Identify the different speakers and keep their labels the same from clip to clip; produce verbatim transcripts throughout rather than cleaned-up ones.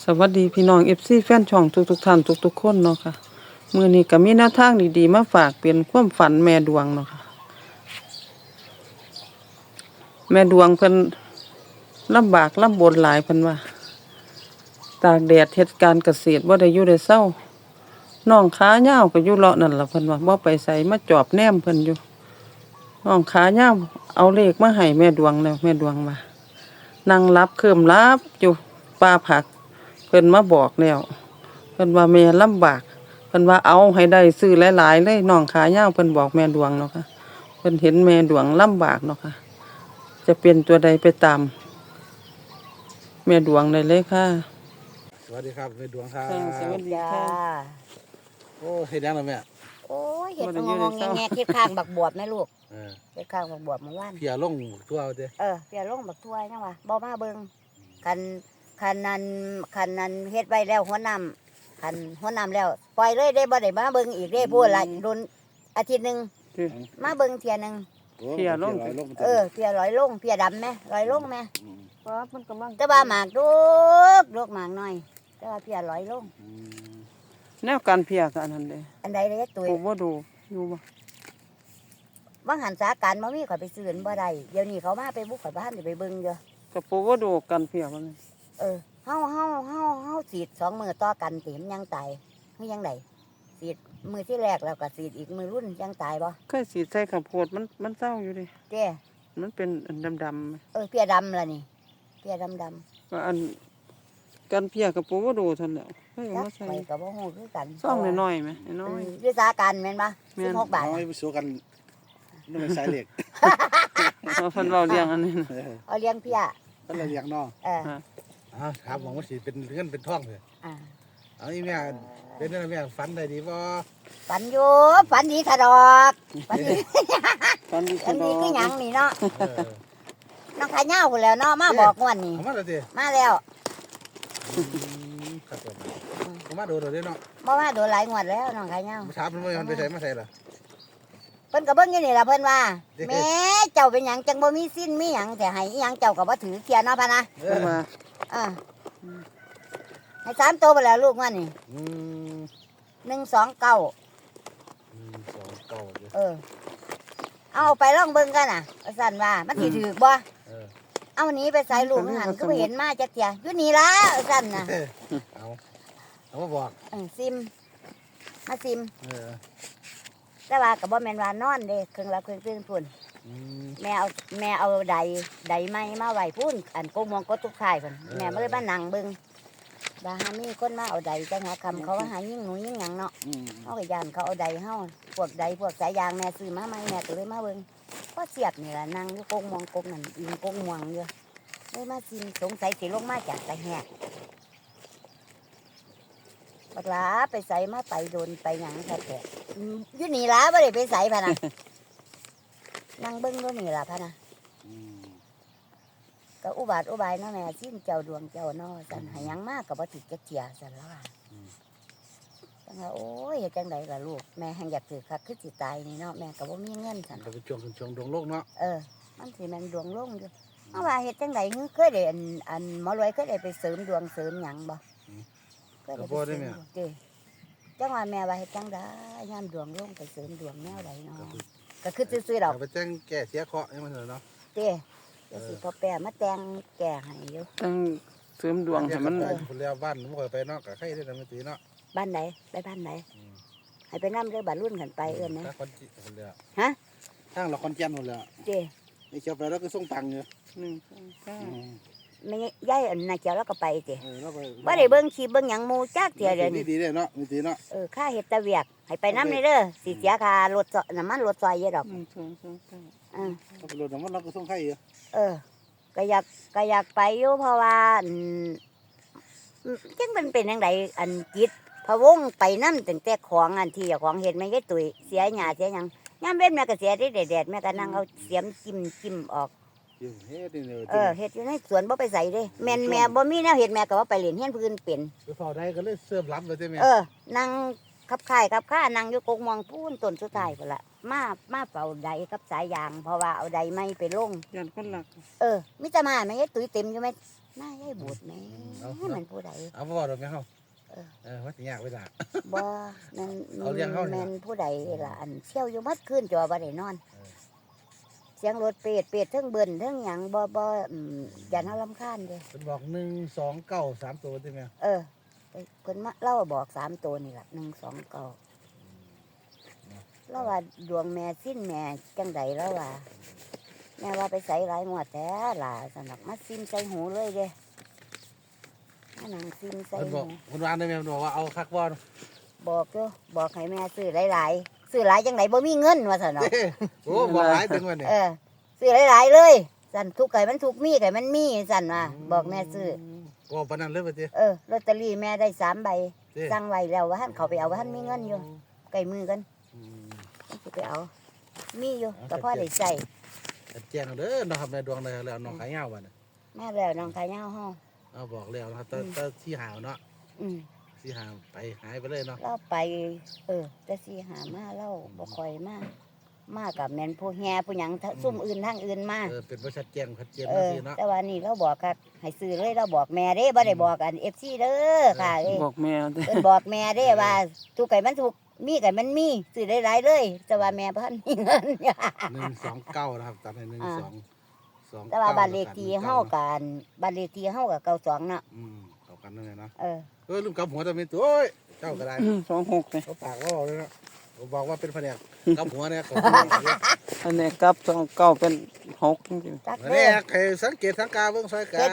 Speaker 1: วัสดีพี่น้อง เอฟ ซี แฟนช่องทุกๆท่านทุกๆคนเนาะค่ะมื้อนี้ก็มีแนวทางดีๆมาฝากเป็นความฝันแม่ดวงเนาะค่ะแม่ดวงเพิ่นลำบากลำบนหลายเพิ่นว่าตากแดดเฮ็ดการเกษตรบ่ได้อยู่ได้เช้าน้องขายาวก็อยู่เลาะนั่นล่ะเพิ่นว่าบ่ไปไสมาจอบแนมเพิ่นอยู่น้องขายาวเอาเลขมาให้แม่ดวงแล้วแม่ดวงว่านั่งรับเคลิ้มรับอยู่ป่าผักเพิ่นมาบอกแล้วเพิ่นว่าแม่ลำบากเพิ่นว่าเอาให้ได้ซื้อหลายๆเลยน้องขายาวเพิ่นบอกแม่ดวงเนาะค่ะเพิ่นเห็นแม่ดวงลำบากเนาะค่ะจะเป็นตัวใดไปตามแม่ดวงได้เลยค่ะ
Speaker 2: สวัสดีครับแม่ดวงครับ
Speaker 1: สวัสดี
Speaker 3: จ้า
Speaker 1: ค่ะ
Speaker 2: โอ้เฮ็ดยังล่ะแม่
Speaker 3: โอ้ยเห็ด
Speaker 1: บ่ได้
Speaker 3: ง
Speaker 1: อยู่
Speaker 3: ง
Speaker 1: ใน
Speaker 3: ง
Speaker 1: เศร้า
Speaker 3: แงๆเห็ดข้างบักบวบแม่ลูก
Speaker 2: เออ
Speaker 3: เห็ดข้างบักบวบเมื่อวาน
Speaker 2: เพียลงทั่วเอาเด้
Speaker 3: เออเปียลงบักถ้วยยังวะบ่มาเบิ่งคันคันนั้นคันนั้นเฮ็ดไว้แล้วหัวน้ำคันหัวน้ำแล้วปล่อยเลยได้บ่ได้มาเบิ่งอีกได้พูดละโดนอาทิตย์หนึง
Speaker 1: ที่
Speaker 3: มาเบิ่งเที่ยหนึง
Speaker 2: โอ้
Speaker 1: เพียลง
Speaker 2: เพียลง
Speaker 3: เออเพียร้อยลงเพียดำไหมร้อยลงไหม
Speaker 2: ม
Speaker 1: เพราะมันกำลัง
Speaker 3: แต่ว่าหมากลูกลูกหมากน้อยแต่ว่าเพียร้อยลง
Speaker 2: อืม
Speaker 1: แนวการเพียก็อันนั้นเด้
Speaker 3: อันใดเลยตุ้ย
Speaker 1: โอ้บ่ดูอยู่บ่
Speaker 3: บางหันสาการบ่มีข่อยไปซื้อบ่ได้เดี๋ยวนี้เขามาไปบุกข่อยบ้านสิไปเบิ่งอยู่
Speaker 1: ก็ปูบ่ดูกันเพียมัน
Speaker 3: เออเฮาเฮาเฮาเฮาสีดสองมือต่อกันติมนยังตายคือยังไดสีดมือที่แรกแล้วก็สีดอีกมือรุ่นยังตายบ่
Speaker 1: เคยสีใส่ข้าวโพดมันมันเศร้าอยู่ดิ
Speaker 3: เจ้
Speaker 1: มันเป็นอันดำๆ
Speaker 3: เออเพียดำล่ะนี่เพียดำดำ
Speaker 1: ก็อันกันเพียกับปูว่าดูทันแล้วเฮ้ยเอา
Speaker 3: จัก
Speaker 1: มาใส่
Speaker 3: ไปก็บ่ฮู้คือกัน
Speaker 1: ซ่องน้อยๆไหมน้อย
Speaker 3: เออวิสาการแม่นบ่
Speaker 1: แม่น
Speaker 3: สิบหกบาท
Speaker 2: เอาให้ไปสู้กันนี่เป็นสายเหล็ก
Speaker 1: ๆเอาเพิ่นเว้าเรื่องอันนี้นะ
Speaker 2: เออ
Speaker 3: เอาเลี้ยงเพีย
Speaker 2: นั่นแหละอย่างเนาะ
Speaker 3: เออ
Speaker 1: ฮะ
Speaker 2: เอาครับหวังว่าสิเป็นเงินเป็นทองเลย
Speaker 3: อ่า
Speaker 2: เอาอีแม่เป็นนั่นแม่ฝันได้ดีบ่
Speaker 3: ฝันอยู่ฝันดีถะดอกฝันดี
Speaker 1: ตอนนี้
Speaker 3: ฝันดีคือหยังนี่เนาะ
Speaker 2: เออ
Speaker 3: น้องขายเหย้าพุ่นแล้วเนาะมาบอกงวดนี้
Speaker 2: เอามาเลยสิ
Speaker 3: มาแล้ว
Speaker 2: อืมครับผมเอามาดูเดี๋ยวนี้เนาะ
Speaker 3: บ่มาโดนหลายงวดแล้วน้องขายเหย้า
Speaker 2: มาถามเพิ่นว่ามันไปใส่มาใส่ล่ะ
Speaker 3: เพิ่นก็เบิ่งอยู่นี่ล่ะเพิ่นว่า
Speaker 2: เด้
Speaker 3: แม่เจ้าเป็นหยังจังบ่มีสิ้นมีหยังแต่ให้อีหยังเจ้าก็บ่ถือเทียนเนาะพะนะ
Speaker 2: เอ
Speaker 1: เพิ่น
Speaker 2: อ
Speaker 1: ว่า
Speaker 3: อ่าให้สามตัวไปแล้วลูกว่านี่
Speaker 2: อืม
Speaker 3: หนึ่งสองเก้า
Speaker 2: อืมสองเก้าเด้อ
Speaker 3: เออ เอาไปลองเบิ่งกันน่ะว่าสั่นว่ามันสิถือบ่
Speaker 2: เออ
Speaker 3: เอาหนี้ไปใส่ลูกหันก็บ่เห็นมาจักเที่ยอยู่นี่ล่ะว่าสั่นน่ะ
Speaker 2: เอาเอามาบอก
Speaker 3: เออซิมมาซิม
Speaker 2: เออ
Speaker 3: แต่ว่าก็บ่แม่นว่านอนเด้เครื่องรับเครื่องตื่นพุ่น
Speaker 2: อืม
Speaker 3: แม่เอาแม่เอาใดใดไม้มาไว้พุ่นอันโกมองก็ทุกข่ายพุ่นแม่บ่ได้มานั่งเบิ่งว่าหามีคนมาเอาใดจังหาคำเขาว่าหายิ่งหนูยิ่งหยังเนาะ
Speaker 2: อืม
Speaker 3: เขาก็ยานเขาเอาใดเฮาพวกใดพวกสายยางแม่ซื้อมาใหม่แม่ก็เลยมาเบิ่งก็เสียบนี่ล่ะนั่งอยู่กงมองกงนั่นอิงกงม่วงอยู่เลยมาซิมสงสัยสิลงมาจากตะแหกบักหลาไปใส่มาไปโดนไปหยังซะแต่อืมอยู่นี่ล่ะบ่ได้ไปใส่พะนะนั่งเบิ่งอยู่นี่ล่ะพะนะ
Speaker 2: อืม
Speaker 3: ก็อุบาทอุบายเนาะแม่สิ้นเจ้าดวงเจ้าเนาะสั่นให้หยังมากก็บ่ติดจักเที่ยสั่นแล้วว่าจังว่าโอ้ยเฮ็ดจังไดล่ะลูกแม่แฮงอยากถือคักคือสิตายนี่เนาะแม่ก็บ่มีเงินสั่น
Speaker 2: ก็เป็นช่วงเป็นช่วงดวงโลกเนาะ
Speaker 3: เออ มันสิแม่นดวงลงอยู่เอาว่าเฮ็ดจังได๋เคยได้อันอันหมอรวยเคยได้ไปเสริมดวงเสริมหยังบ่เคยได้ไปเสริมดวงเด้จังว่าแม่ว่าเฮ็ดจังได๋ยามดวงลงไปเสริมดวงแนวใดเนาะก็คือซื่อๆดอก
Speaker 2: เอาไปแจ้งแก้เสียเคราะห์ให้มันเถอะเนาะ
Speaker 3: เด้เดี๋ยวสิพ่อแปะมาแต่งแก่ให้อยู่
Speaker 1: ตั้งเสริมดวงให้มัน
Speaker 2: ไปคนแล้วบ้านผมเคยไปเนาะกับใครได้ทำตีเนาะ
Speaker 3: บ้านไหนไปบ้านไหน
Speaker 2: อืม
Speaker 3: ให้ไปนำเด้อบ้านรุ่นกันไปเอิ้นนะ
Speaker 2: ถ้าคนจีคนแล้ว
Speaker 3: ฮะ
Speaker 2: ทางเราคนแก่นคนแล้ว
Speaker 3: เด้
Speaker 2: นี่เชียวไปแล้วก็ส่งตังค์อยู่
Speaker 1: หนึ่งสองเก้า
Speaker 2: อืม
Speaker 3: แม่ยายอันน่ะเจ้าแล้วก็ไปเด้
Speaker 2: เออแล้วไป
Speaker 3: บ่ได้เบิ่งคลิปเบิ่งหยังหมู่จักเที่ยเด้อ
Speaker 2: นี่
Speaker 3: นี่
Speaker 2: ดีเลยเนาะมีตีเนาะ
Speaker 3: เออค่าเฮ็ดแตะเวียกให้ไปนำเด้อสิเสียค่ารถซอน้ำมันรถซอยเยอะดอก
Speaker 1: หนึ่งสองสองเก้า
Speaker 3: อ่า
Speaker 2: ถ้าไปรถน้ำมันเราก็ส่งใครอยู่
Speaker 3: เออ ก็อยากก็อยากไปอยู่เพราะว่าอืมจังมันเป็นจังไดอันจิตพะวงไปนำตั้งแต่ของอันที่เจ้าของเฮ็ดไม่ได้ตุ้ยเสียหญ้าเสียหยังยามเว้นแม่ก็เสียได้แดดๆแม่ก็นั่งเอาเสียมจิ้มจิ้มออก
Speaker 2: อยู่เฮ็ดนี่เลย
Speaker 3: เออเฮ็ดอยู่ในสวนบ่ไปใส่เด้แม่นแม่บ่มีแนวเฮ็ดแม่ก็ว่าไปเรียนเฮียนพื้นเป็น
Speaker 2: ไปเฝ้าได้ก็เลยเสื่อมล้ำไปใช่ไหม
Speaker 3: เออ นั่งขับข่ายขับข้านั่งอยู่กกมองพูนต้นสุดท้ายพุ่นละมามาเป่าใดกับสายยาง เพราะว่าเอาใดไม้ไปลง
Speaker 1: ยันคนหลัก
Speaker 3: เออมิจะมาแม่ตุ้ยเต็มอยู่ไหมหน้ายายบูดแหม่
Speaker 2: เอา
Speaker 3: มันผู้ใด
Speaker 2: เอาบ่ดอกแม่เฮา
Speaker 3: เออ
Speaker 2: เออว่าสิยากไว้ล่ะ
Speaker 3: บ่แม่น
Speaker 2: เอาเลี้ยงเขานี่ล่ะ
Speaker 3: แม่นผู้ใดล่ะอันเที่ยวอยู่มัดคืนจอบ่ได้นอน
Speaker 2: เออ
Speaker 3: เสียงรถเป็ดเป็ดเทั้งเบิ่นเทั้งหยังบ่บ่อืมอย่าเฮารำคาญเด้
Speaker 2: เพิ่นบอกหนึ่งสองเก้าสามตัวใช่ไหม
Speaker 3: เออเพิ่นมาเล่าบอกสามตัวนี่ล่ะหนึ่งสองเก้าแล้วว่าดวงแม่สิ้นแม่จังใดแล้วว่าแม่ว่าไปใส่หลายงวดแท้ล่ะสนักมาซิมใส่หูเลยเด้มานั่งซิมใส่
Speaker 2: เพิ่นบ
Speaker 3: หู
Speaker 2: อกเพิ่นวานได้แม่เพิ่นบอกว่าเอาคักบ่
Speaker 3: บอกอยู่บอกให้แม่ซื้อหลายๆซื้อหลายจังไดบ่มีเงินว่าซั่นเนาะ
Speaker 2: เด้โอ้บอกหลายถึงวันนี้
Speaker 3: เออซื้อหลายๆเลยสั่นทุกไก่มันทุกมีไก่มันมีสั่นว่าบอกแม่ซื้อ
Speaker 2: บอกปานนั้นเลยว่าติ
Speaker 3: เออลอตเตอรี่แม่ได้สามใบ
Speaker 2: เด้
Speaker 3: สั่งไว้แล้วว่าท่านเขาไปเอาว่าท่านมีเงินอยู่ไก่มือกัน
Speaker 2: อืม
Speaker 3: สิไปเอา มีอยู่
Speaker 2: เอา
Speaker 3: ก็พ่อได้ใส่
Speaker 2: แจ้งเอาเด้อเนาะครับแม่ดวงได้แล้วน้องขายยาวบัดน่ะ
Speaker 3: แม่แล้วน้องขายาวห้อง
Speaker 2: เอาบอกแล้วนะครับแต่แต่ที่หาวเนาะ
Speaker 3: อืม
Speaker 2: ที่หาวไปหายไปเลยเนาะ
Speaker 3: เราไป เออแต่สิหามาเราบ่ค่อยมามากับแม่นผู้แห่ผู้หยังทะซุ่มอื่นทางอื่นมา
Speaker 2: เออเป็นบ่ชัดแจ้งชัดเจน
Speaker 3: เอ
Speaker 2: จัง
Speaker 3: อ
Speaker 2: ซี่เนาะ
Speaker 3: แต่ว่านี่เราบอกครับให้ซื้อเลยเราบอกแม่เด้บ่ได้บอกอัน เอฟ ซี เด้อค่ะเอ้ย
Speaker 1: บอกแม่เด้อ
Speaker 3: เพิ่นบอกแม่เด้ว่าทุกไก่มันถูกมีไก่มันมีซื้อได้หลายเลยแต่ว่าแม่พันมีเงิน
Speaker 2: หนึ่งสองเก้านะครับตัดให้หนึ่ง
Speaker 3: อ่า
Speaker 2: สองสอง
Speaker 3: แต่ว่า
Speaker 2: ก้
Speaker 3: บ้านเลขที่เฮากันบ้านเลขที่เฮากับเก้าสองเนาะ
Speaker 2: อืมเข้ากันนั่นแหละเนาะ
Speaker 3: เออ
Speaker 2: เออลืมกลับหัวแต่เป็นตัวโอ้ยเจ้าก็ได้
Speaker 1: สองหกเลย
Speaker 2: เขาปากว่าบอกเลยนะผมบอกว่าเป็นแผนกกำหัวเนี่ยของ
Speaker 1: อันนี้กับสองเก้าเป็นหกจริง
Speaker 3: จัก
Speaker 2: แผน
Speaker 3: เด้อก
Speaker 2: ให้สังเกตสังกาเบื้องซอยกัน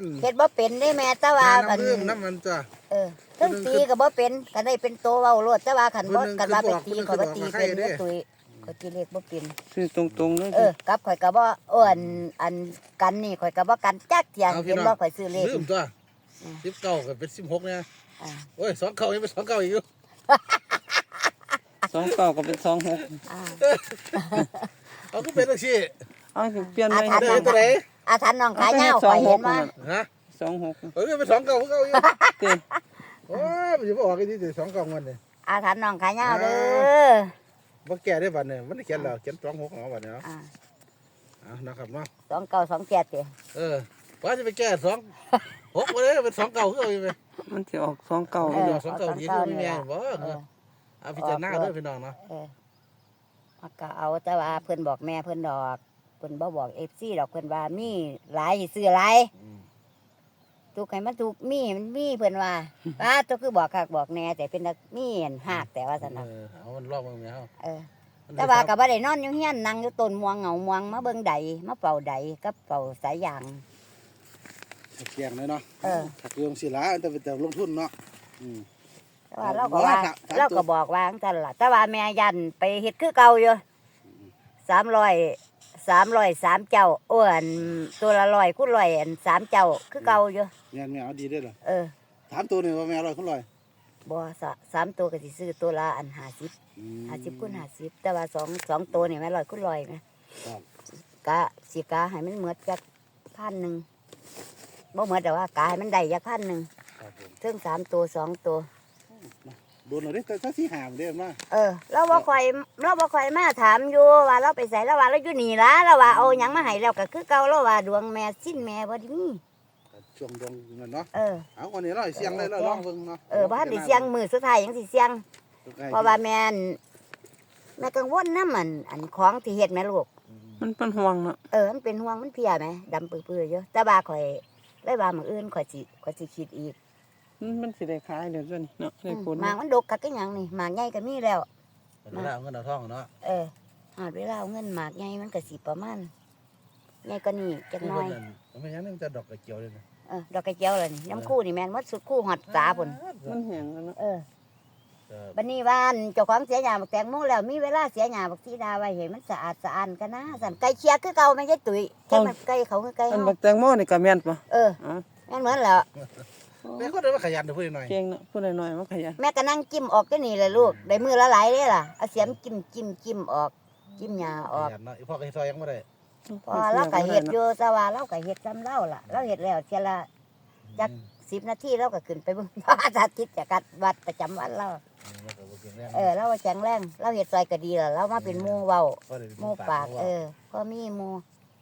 Speaker 3: เฮ็ดบ่เป็นได้แม่แต่ว่า
Speaker 2: น้
Speaker 3: อัน
Speaker 2: ำลืมน้ำมันจ้ะ
Speaker 3: เออทั้งตีก็บ่เป็นก็ได้เป็นโตเว้าโลดแต่ว่าคันบ่
Speaker 2: ผู้หนึ่ง
Speaker 3: กันว่าไปตี
Speaker 2: คือ
Speaker 3: ก็
Speaker 2: บอก
Speaker 3: บ่ตี
Speaker 2: ผู้หนึ่ง
Speaker 3: เป็น
Speaker 2: คือบอกว่าใครเด้
Speaker 3: เด้อตุ้ยก็ตีเลขบ่เป็น
Speaker 1: ๆซื้อตรงๆเลย
Speaker 3: เออกับข่อยก็บ่อ้วนอันกันนี่ข่อยก็บ่กันจักเที่ย
Speaker 2: เอาพี่
Speaker 3: เห็น
Speaker 2: น้อง
Speaker 3: บ่ข่อยซื้อเลข
Speaker 2: ลืมตัว
Speaker 3: อืม
Speaker 2: สิบเก้ากับเป็นสิบหกเนี่ย
Speaker 3: อ่า
Speaker 2: โอ้ยสองเก้ายังเป็นสองเก้าอีกอยู่
Speaker 1: สองเก้าก็เป็นสองหก
Speaker 3: อ่า
Speaker 2: เอาก็เป็นตังซี่
Speaker 1: เอาสิเปลี่ยนไป
Speaker 3: อ่ะ
Speaker 2: เดิ
Speaker 3: ทั
Speaker 2: นตัวไหน
Speaker 3: อาถรรพ์น้องขายาวข่อยเห็นว่า
Speaker 2: ฮะ
Speaker 1: สองหก
Speaker 2: เออเป็นสองเก้าเก้าอยู่
Speaker 1: เต้
Speaker 2: โอ้ยมันจะบอกกันที่สองเก้ามันเนี่ย
Speaker 3: อาถรรพ์น้องขายาวเด้อ
Speaker 2: บ่แก่ได้บัดเนี่ยมันได้เขียนแล้วเขียนสองหกเอาบัดเนี่ย
Speaker 3: อ่า
Speaker 2: อ่ะนะครับเนาะ
Speaker 3: สองเก้าสองเจ็ดเด้อ
Speaker 2: เออว่าจะไปแก้สองหกมาเลยเป็นสองเก่าคือเอาอยู่ไหม
Speaker 1: มันสิออกสองเก้า
Speaker 2: เออสองเก่าดีคือไม่แม่นบ่
Speaker 3: เออ
Speaker 2: เอาพิจารณาเด้อพี่น้องเนาะ
Speaker 3: เออมันก็เอาแต่ว่าเพิ่นบอกแม่เพิ่นดอกเพิ่นบ่บอก เอฟ ซี ดอกเพิ่นว่ามีหลายสิซื้อหลาย
Speaker 2: อืม
Speaker 3: ทุกให้มันถูกมีมันมีเพิ่นว่าว่าตัวคือบอกคักบอกแน่แต่เป็นนักมีอันหากแต่ว่าซั่น
Speaker 2: เอ
Speaker 3: น่ะ
Speaker 2: อเอามันรอบมึงแม่เฮา
Speaker 3: เออแต่ว่าก็บ่ได้นอนอยู่เฮียนนั่งอยู่ต้นม่วงเหงาม่วงมาเบิ่งใดมาเป่าใดกับเป่าสายยาง
Speaker 2: เกียงเลยเนาะ
Speaker 3: เออ
Speaker 2: ถ้าเรื่องสิละแต่เป็นแต่ลงทุนเนาะอืม
Speaker 3: แต่ว่าเราก็ว่า
Speaker 2: ว่าถ้า
Speaker 3: เราก็บอกว่าจังซั่นล่ะแต่ว่าแม่ยันไปเฮ็ดคือเก่าอยู่สามร้อยสามร้อยสามเจ้าอ้วนตัวละร้อยคูณร้อยอันสามเจ้าคือเก่าอยู่
Speaker 2: แม่นแม่เอาดีเด้อล่ะ
Speaker 3: เออ
Speaker 2: ถามตัวนี่ว่าแม่อร่อยคุณอร่อย
Speaker 3: บ่สะสามตัวก็สิซื้อตัวละอันห้าสิบ
Speaker 2: อืม
Speaker 3: ห้าสิบคูณห้าสิบแต่ว่าสองสองตัวนี่แม่ร้อยคูณร้อยนะครับ กะสิกะให้มันเหมือดจักพันหนึ่งบ่เหมือดแต่ว่ากะให้มันได้จักพันหนึ่ง
Speaker 2: ครับผม
Speaker 3: ถึงสามตัวสองตัว
Speaker 2: โดนเอาเด้แต่ถ้าสิหามเด้อมา
Speaker 3: เออเราบ่ค่อยเราบ่ค่อยมาถามอยู่ว่าเราไปใส่แล้วว่าเราอยู่นี่ล่ะเราว่าเอาหยังมาให้แล้วก็คือเก่าเราว่าดวงแม่สิ้นแม่บ่ได้มี
Speaker 2: ช่วงดวงนั่นเนาะ
Speaker 3: เออ
Speaker 2: เอาวันนี้เราให้เสียงเลยเราลองเบิ่งเนาะ
Speaker 3: เออบ้านได้เสียงมือสุดท้ายยังสิเสียงเพราะว่าแม่นแม่กังวลนำอันอันของที่เฮ็ดแม่ลูก
Speaker 1: มันเป็นห่วงเนาะ
Speaker 3: เออมันเป็นห่วงมันเพลียไหมดำปื้อๆอยู่แต่ว่าข่อยเลยว่ามื้ออื่นข่อยสิข่อยสิคิดอีก
Speaker 1: มันมันสิได้ขายเดี๋ยวนี้เนาะได้ผล
Speaker 3: หมากมันดกคักคือหยังนี่หมากใหญ่ก็มีแล้ว
Speaker 2: เวลาเอาเงินเอาทองเนาะ
Speaker 3: เออหาดเวลาเอาเงินหมากใหญ่มันก็สิประมาณใหญ่กว่านี้จักหน่อย
Speaker 2: มันไม่ยังนี่มันจะดอกกระเจียวเลยนะ
Speaker 3: เออดอกกระเจียวเลยนี่น้ำคู่นี่แม่นหมดสุดคู่ฮอดตาพุ่น
Speaker 1: มันแห้งแล้วเนาะ
Speaker 3: เออ
Speaker 2: เออ
Speaker 3: บัดนี้ว่านเจ้าของเสียหญ้าบักแตงโมแล้วมีเวลาเสียหญ้าบักสีดาไว้ให้มันสะอาดสะอ้านกันนะสั่นไก่เคียคือเก่าแม่นยายตุ๋ยแค่มันไก่เขาคือไก่
Speaker 1: อัน
Speaker 3: เฮา
Speaker 1: บักแตงโมนี่ก็แม่นปะ
Speaker 3: เออ
Speaker 1: อ๋อ
Speaker 3: แม่นเหมือนแล้ว
Speaker 2: แม่ก็ได้มาขยันเดี๋ยวพูดหน่อย
Speaker 1: เก่งเนาะผู้ใดน้อยมันขยัน
Speaker 3: แม่ก็นั่งจิ้มออกก็นี่เลยลูกได้มือละหลายเลยล่ะเอาเสียมจิ้มจิ้มจิ้มออกจิ้มหญ้าออก
Speaker 2: ขยันเนาะอีพ่อก็ซอยยังไม่ได้
Speaker 3: พอเราก็เฮ็ดอยู่แต่ว่าเราก็เฮ็ดซ้ำเราล่ะเราเฮ็ดแล้วเทียละจักสิบนาทีเราก็ขึ้นไปเบิ่ง พระอาทิตย์จากกัดวัดประจำวันเรา
Speaker 2: แล้วก็บ่เก่งแรง
Speaker 3: เออเราว่าแข็งแรงเราเฮ็ดซอยก็ดีแล้วเรามาเป็นหมู่เว้า
Speaker 2: ก็ได้
Speaker 3: หมู่ปากเออก็มีหมู่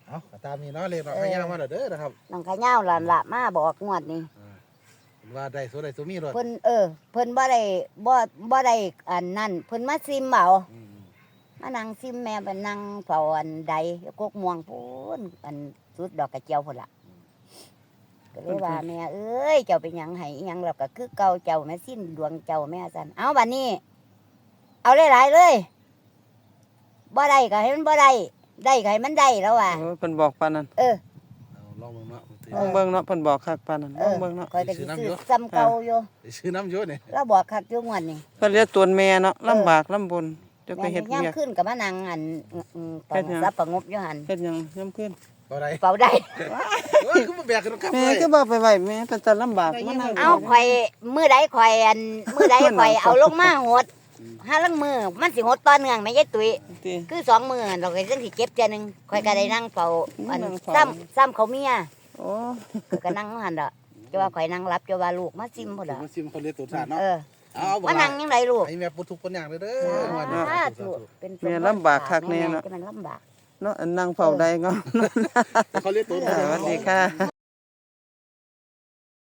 Speaker 2: เอาก็ตามนี้เนาะเลขน้องขย่ามาแล้วเด้อนะครับ
Speaker 3: น้องขะเหย้าหลานละมาบอกงวดนี้
Speaker 2: อ่าเพิ่นว่าได้สุดได้สุดมีรถ
Speaker 3: เพิ่นเออเพิ่นบ่ได้บ่บ่ได้อันนั้นเพิ่นมาซิมเอา
Speaker 2: อืม
Speaker 3: มานั่งซิมแม่ไปนั่งเฝ้าอันใดกกม่วงพูนอันสุดดอกกระเจียวพุ่นล่ะก็เลยว่าแม่เอ้ยเจ้าเป็นหยังให้อิหยังแล้วก็คือเก่าเจ้าแม่สิ้นดวงเจ้าแม่ซั่นเอาบัดนี้ เอาหลายๆเลยบ่ได้ก็ให้มันบ่ได้ได้ก็ให้มันได้แล้วว่ะ
Speaker 1: เออเพิ่นบอกปานนั้น
Speaker 3: เออ
Speaker 2: เอาลองเบิ่งเนาะ
Speaker 1: ลองเบิ่งเนาะเพิ่นบอกคักปานนั้น
Speaker 3: เอ
Speaker 1: ลอง
Speaker 3: อ
Speaker 1: เบิ่งเนาะ
Speaker 3: คอยก็สิซื้อซ้ำเก่าอยู่
Speaker 2: ไปซื้อน้ำอยู่นี่
Speaker 3: เราบอกคักอยู่งวดนี้
Speaker 1: เพิ่นเรียกตัวแม่เนาะลำบากลำบนจะไป
Speaker 3: แม่
Speaker 1: เฮ็ด
Speaker 3: ย่ํ
Speaker 1: เวียก
Speaker 3: ขึ้นก็มานั่งอันอืมๆ
Speaker 1: เฮ็ดหยัง
Speaker 3: สับประงบอยู่หั่น
Speaker 1: เฮ็ดหยังยามคืน
Speaker 2: บ่ได้
Speaker 3: เฝ้าได้
Speaker 2: โอ้ยคือมาแบกกันครับ
Speaker 1: แม่
Speaker 2: เลย
Speaker 1: ก็บ่ไปไว้แม่เป็นแต่ลำบากมานั่ง
Speaker 3: เอาข่อยมือใดข่อยอันมือใดข่อยเอาลงมาหดห้าลังมือมันสิหดต่อเนื่องไม่ใช่ตุ้ย
Speaker 1: ติ
Speaker 3: คือสองมือเราก็จังสิเก็บเทื่อหนึงข่อยก็ได้นั่งเฝ้าอัน
Speaker 1: นั่งเฝ้า
Speaker 3: ซ้ำซ้ำเขาเมีย
Speaker 1: โอ้
Speaker 3: ข่อยก็นั่งอยู่หั่นดอกจะว่าข่อยนั่งรับจะว่าลูกมาซิมพุ่น
Speaker 2: ถึ
Speaker 3: ล่ะ
Speaker 2: งมาซิมคนเรียกตัวสารเนาะ
Speaker 3: เออ
Speaker 2: เอาบ่
Speaker 3: มานั่งยังไงลูก
Speaker 2: ให้แม่ปุถุคนอย่างเด้อเด้อวัน
Speaker 3: สา
Speaker 2: นี้
Speaker 3: ธุเป็น
Speaker 1: แม่ลำบากคักแน่เนาะ
Speaker 3: จะมันลำบาก
Speaker 1: เนาะอันนั่งเฝ้าได้เนาะ
Speaker 2: เขาเรียกตัว
Speaker 1: สวัสดีค่ะ